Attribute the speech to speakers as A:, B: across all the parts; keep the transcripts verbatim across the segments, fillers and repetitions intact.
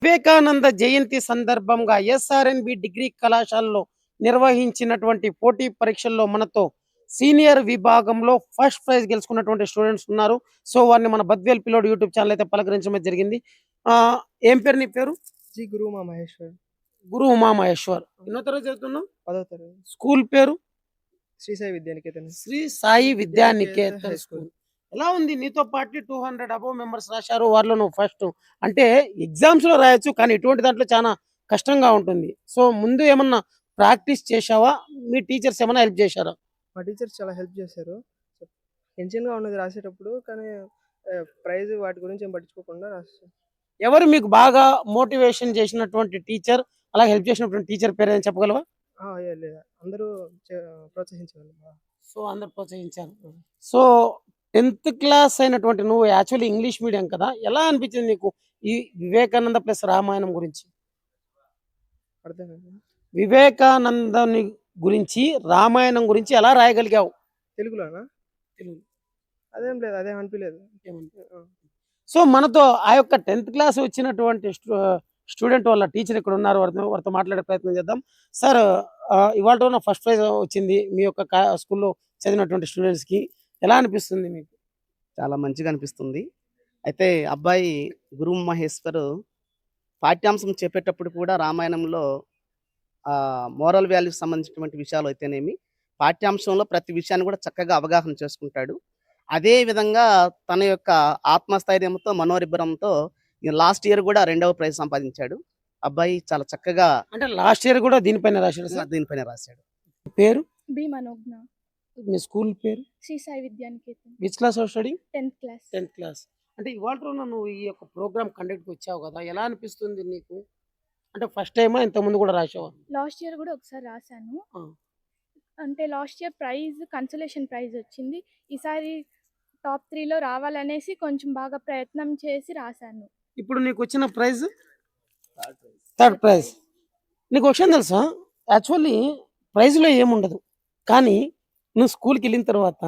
A: వివేకానంద జయంతి సందర్భంగా ఎస్ఆర్ఎన్బి డిగ్రీ కళాశాలలో నిర్వహించినటువంటి పోటీ పరీక్షల్లో మనతో సీనియర్ విభాగంలో ఫస్ట్ ప్రైజ్ గెలుచుకున్నటువంటి స్టూడెంట్స్ ఉన్నారు. సో వారిని మన బద్వేల్ పిల్లోడు యూట్యూబ్ ఛానల్ అయితే పలకరించడం జరిగింది. ఆ ఏం పేరు నీ పేరు?
B: జి గురు ఉమా మహేశ్వర్.
A: గురు ఉమా మహేశ్వర్. ఎన్నో తరగతి చదువుతున్నావు?
B: పదో తరగతి.
A: స్కూల్ పేరు?
B: శ్రీ సాయి విద్యానికేతన్.
A: శ్రీ సాయి విద్యానికేతన్ స్కూల్. ఎలా ఉంది? నీతో పాటు టూ హండ్రెడ్ అబోవ్ మెంబర్స్ రాశారు, వారిలో నువ్వు ఫస్ట్. అంటే ఎగ్జామ్స్ లో రాయొచ్చు, కానీ ఇటువంటి దాంట్లో చాలా కష్టంగా ఉంటుంది. సో ముందు ఏమన్నా ప్రాక్టీస్ చేశావా? మీ టీచర్స్ ఏమైనా హెల్ప్ చేశారా?
B: మా టీచర్స్ చాలా హెల్ప్ చేశారు. టెన్షన్గా ఉన్నది రాసేటప్పుడు, కానీ ప్రైజ్ వాటి గురించి ఏం పట్టించుకోకుండా రాస్తాను.
A: ఎవరు మీకు బాగా మోటివేషన్ చేసినటువంటి టీచర్, అలా హెల్ప్ చేసినటువంటి టీచర్ పేరు ఏదైనా చెప్పగలవా?
B: లేదా అందరూ ప్రోత్సహించారు.
A: సో అందరు ప్రోత్సహించారు. సో టెన్త్ క్లాస్ అయినటువంటి నువ్వు యాక్చువల్లీ ఇంగ్లీష్ మీడియం కదా, ఎలా అనిపించింది నీకు ఈ వివేకానంద ప్లస్ రామాయణం గురించి?
B: అర్థం
A: వివేకానందని గురించి రామాయణం గురించి ఎలా రాయగలిగావు?
B: తెలుగులోనా?
A: తెలుగు.
B: అదేం లేదు, అదేం అనిపించలేదు.
A: సో మనతో ఆ యొక్క టెన్త్ క్లాస్ వచ్చినటువంటి స్టూడెంట్ వాళ్ళ టీచర్ ఇక్కడ ఉన్నారు, వారితో వారితో మాట్లాడే ప్రయత్నం చేద్దాం. సార్, ఇవాళ ఫస్ట్ ప్రైజ్ వచ్చింది మీ యొక్క స్కూల్లో చదివినటువంటి స్టూడెంట్స్కి, ఎలా అనిపిస్తుంది మీకు?
C: చాలా మంచిగా అనిపిస్తుంది. అయితే అబ్బాయి గురు మహేశ్వర్ పాఠ్యాంశం చెప్పేటప్పుడు కూడా రామాయణంలో మోరల్ వాల్యూస్ సంబంధించినటువంటి విషయాలు అయితేనేమి, పాఠ్యాంశంలో ప్రతి విషయాన్ని కూడా చక్కగా అవగాహన చేసుకుంటాడు. అదే విధంగా తన యొక్క ఆత్మస్థైర్యంతో, మనోరిబ్బరంతో లాస్ట్ ఇయర్ కూడా రెండవ ప్రైజ్ సంపాదించాడు. అబ్బాయి చాలా చక్కగా,
A: అంటే లాస్ట్ ఇయర్ కూడా దీనిపైన రాశాడు.
C: దీనిపైన రాశాడు.
A: పేరు?
D: బి మనోజ్ఞ.
A: మీ స్కూల్ పేరు?
D: Shri Sai Vidyaniketan.
A: Which class of study?
D: Tenth class.
A: Tenth class. అంటే ఇవాళ నువ్వు ఈ యొక్క ప్రోగ్రామ్ కండక్ట్ వచ్చావు కదా, ఎలా అనిపిస్తుంది నీకు? అంటే ఫస్ట్ టైమా, ఇంత ముందు కూడా రాసావా?
D: లాస్ట్ ఇయర్ కూడా ఒకసారి రాశాను. అంటే last year prize consolation prize వచ్చింది. ఈసారి టాప్ త్రీలో రావాలనేసి కొంచెం బాగా ప్రయత్నం చేసి రాశాను.
A: ఇప్పుడు నీకు వచ్చిన ప్రైజ్ థర్డ్ ప్రైజ్. నీకు విషయం తెలుసా? యాక్చువల్లీ ప్రైజ్లో ఏముండదు, కానీ నువ్వు స్కూల్కి వెళ్ళిన తర్వాత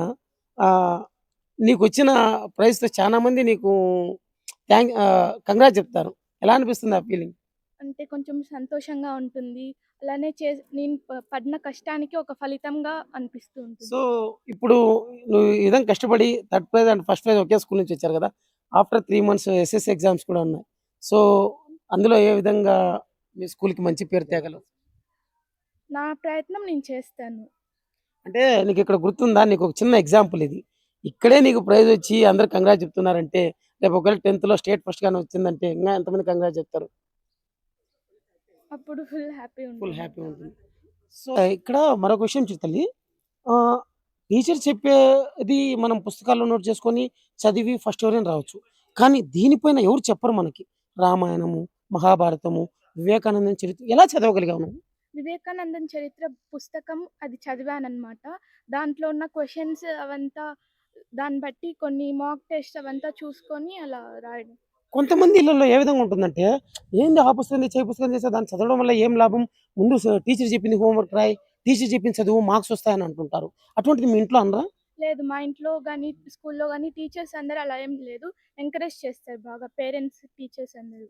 A: నీకు వచ్చిన ప్రైజ్తో చాలా మంది నీకు థ్యాంక్ కంగ్రాట్స్ చెప్తారు. ఎలా అనిపిస్తుంది ఆ ఫీలింగ్?
D: అంటే కొంచెం సంతోషంగా ఉంటుంది. అలానే చే నేను పడిన కష్టానికి ఒక ఫలితంగా అనిపిస్తుంది.
A: సో ఇప్పుడు నువ్వు ఈ విధంగా కష్టపడి third prize and first prize ఒకే స్కూల్ నుంచి వచ్చారు కదా, after three months SSC exams కూడా ఉన్నాయి. సో అందులో ఏ విధంగా మీ స్కూల్కి మంచి పేరు తేగలవు?
D: నా ప్రయత్నం నేను చేస్తాను.
A: అంటే నీకు ఇక్కడ గుర్తుందా? నీకు ఒక చిన్న ఎగ్జాంపుల్ ఇది. ఇక్కడే నీకు ప్రైజ్ వచ్చి అందరు కంగ్రాట్ చెప్తున్నారంటే, రేపు ఒకవేళ టెన్త్లో స్టేట్ ఫస్ట్ గానే వచ్చిందంటే ఇంకా ఎంతమంది కంగ్రాట్ చెప్తారు?
D: అప్పుడు ఫుల్ హ్యాపీ
A: ఫుల్ హ్యాపీ ఉంటుంది. సో ఇక్కడ మరొక విషయం చెప్తాలి. టీచర్ చెప్పేది మనం పుస్తకాల్లో నోట్ చేసుకొని చదివి ఫస్ట్ ఎవరైనా రావచ్చు, కానీ దీనిపైన ఎవరు చెప్పరు మనకి. రామాయణము, మహాభారతము, వివేకానందం చరిత్ర ఎలా చదవగలిగావు నువ్వు?
D: వివేకానందన్ చరిత్ర పుస్తకం అది చదివానమాట. దాంట్లో ఉన్న క్వశ్చన్స్ అవంతా దాన్ని బట్టి కొన్ని మాక్ టెస్ట్ అవంతా చూసుకొని అలా రాయడం.
A: కొంతమంది ఇళ్ళల్లో ఏ విధంగా ఉంటుందంటే, ఏంది ఆ పుస్తకం తెచ్చి ఏ పుస్తకం చేస్తే దాన్ని చదవడం వల్ల ఏం లాభం, ముందు టీచర్ చెప్పింది హోంవర్క్ రాయి, టీచర్ చెప్పింది చదువు, మార్క్స్ వస్తాయని అంటుంటారు. అటువంటిది మీ ఇంట్లో అనరా?
D: లేదు, మా ఇంట్లో కానీ స్కూల్లో కానీ టీచర్స్ అందరూ అలా ఏం లేదు, ఎంకరేజ్ చేస్తారు బాగా పేరెంట్స్ టీచర్స్ అందరూ.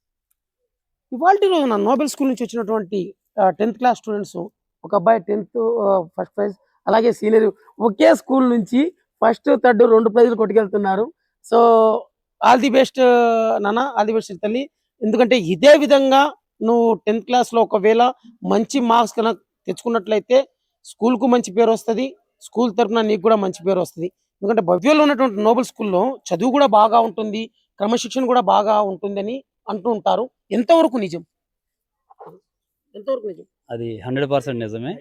A: ఇవాళ రోజున నోబెల్ స్కూల్ నుంచి వచ్చినటువంటి టెన్త్ క్లాస్ స్టూడెంట్స్, ఒక అబ్బాయి టెన్త్ ఫస్ట్ ప్రైజ్, అలాగే సీనియర్ ఒకే స్కూల్ నుంచి ఫస్ట్ థర్డ్ రెండు ప్రైజులు కొట్టుకెళ్తున్నారు. సో ఆల్ ది బెస్ట్ నాన్న, ఆల్ ది బెస్ట్ తల్లి. ఎందుకంటే ఇదే విధంగా నువ్వు టెన్త్ క్లాస్లో ఒకవేళ మంచి మార్క్స్ కనుక తెచ్చుకున్నట్లయితే స్కూల్కు మంచి పేరు వస్తుంది, స్కూల్ తరఫున నీకు కూడా మంచి పేరు వస్తుంది. ఎందుకంటే భవ్యంలో ఉన్నటువంటి నోబెల్ స్కూల్లో చదువు కూడా బాగా ఉంటుంది, క్రమశిక్షణ కూడా బాగా ఉంటుందని అంటూ ఉంటారు. ఎంతవరకు నిజం? ఎంతవరకు నిజం?
E: అది హండ్రెడ్ పర్సెంట్ నిజమే.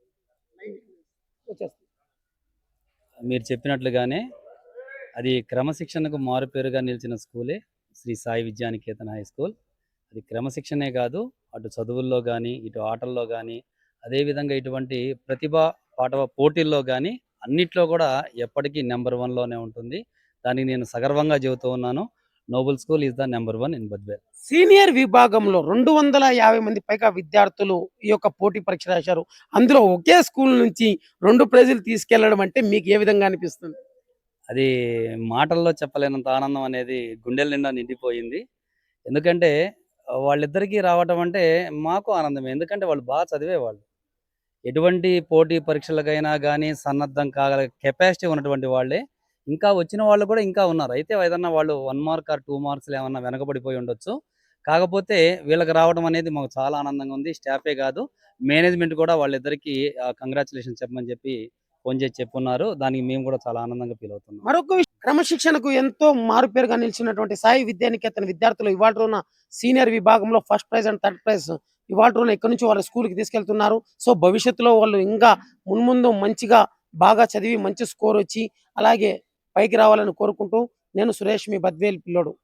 E: మీరు చెప్పినట్లుగానే అది క్రమశిక్షణకు మారుపేరుగా నిలిచిన స్కూలే శ్రీ సాయి విద్యానికేతన్ హై స్కూల్. అది క్రమశిక్షణే కాదు, అటు చదువుల్లో కానీ, ఇటు ఆటల్లో కానీ, అదేవిధంగా ఇటువంటి ప్రతిభా పాఠవ పోటీల్లో కానీ అన్నిట్లో కూడా ఎప్పటికీ నెంబర్ వన్లోనే ఉంటుంది. దానికి నేను సగర్వంగా చెబుతూ ఉన్నాను. Noble school is the number one in Badvel.
A: Senior విభాగంలో రెండు వందల యాభై మంది పైగా విద్యార్థులు ఈ యొక్క పోటీ పరీక్ష రాశారు. అందులో ఒకే స్కూల్ నుంచి రెండు ప్రైజులు తీసుకెళ్లడం అంటే మీకు ఏ విధంగా అనిపిస్తుంది?
E: అది మాటల్లో చెప్పలేనంత ఆనందం అనేది గుండెల నిండా నిండిపోయింది. ఎందుకంటే వాళ్ళిద్దరికీ రావటం అంటే మాకు ఆనందమే. ఎందుకంటే వాళ్ళు బాగా చదివేవాళ్ళు. ఎటువంటి పోటీ పరీక్షలకైనా గానీ సన్నద్ధం కాగల కెపాసిటీ ఉన్నటువంటి వాళ్ళే. ఇంకా వచ్చిన వాళ్ళు కూడా ఇంకా ఉన్నారు. అయితే ఏదన్నా వాళ్ళు ఒక మార్క్ ఆర్ రెండు మార్క్స్‌లో ఏమన్నా వెనకబడిపోయి ఉండొచ్చు. కాకపోతే వీళ్ళకి రావడం అనేది మాకు చాలా ఆనందంగా ఉంది. స్టాఫే కాదు, మేనేజ్‌మెంట్ కూడా వాళ్ళిద్దరికీ ఆహ్, కంగ్రాచ్యులేషన్స్ చెప్పమని చెప్పి ఫోన్ చేసి చెప్పున్నారు. దానికి మేము కూడా చాలా ఆనందంగా ఫీల్ అవుతున్నాం.
A: మరొక విషయం, క్రమశిక్షణకు ఎంతో మారుపేరుగా నిలిచినటువంటి సాయి విద్యానికేతన్ విద్యార్థులు ఇవాళ రోజున సీనియర్ విభాగంలో first prize and third prize ఇవాళ రోజున ఇక్కడి నుంచి వాళ్ళ స్కూల్కి తీసుకెళ్తున్నారు. సో భవిష్యత్తులో వాళ్ళు ఇంకా మున్ముందు మంచిగా బాగా చదివి మంచి స్కోర్ వచ్చి అలాగే పైకి రావాలని కోరుకుంటూ నేను సురేష్ మీ బద్వేల్ పిల్లోడు.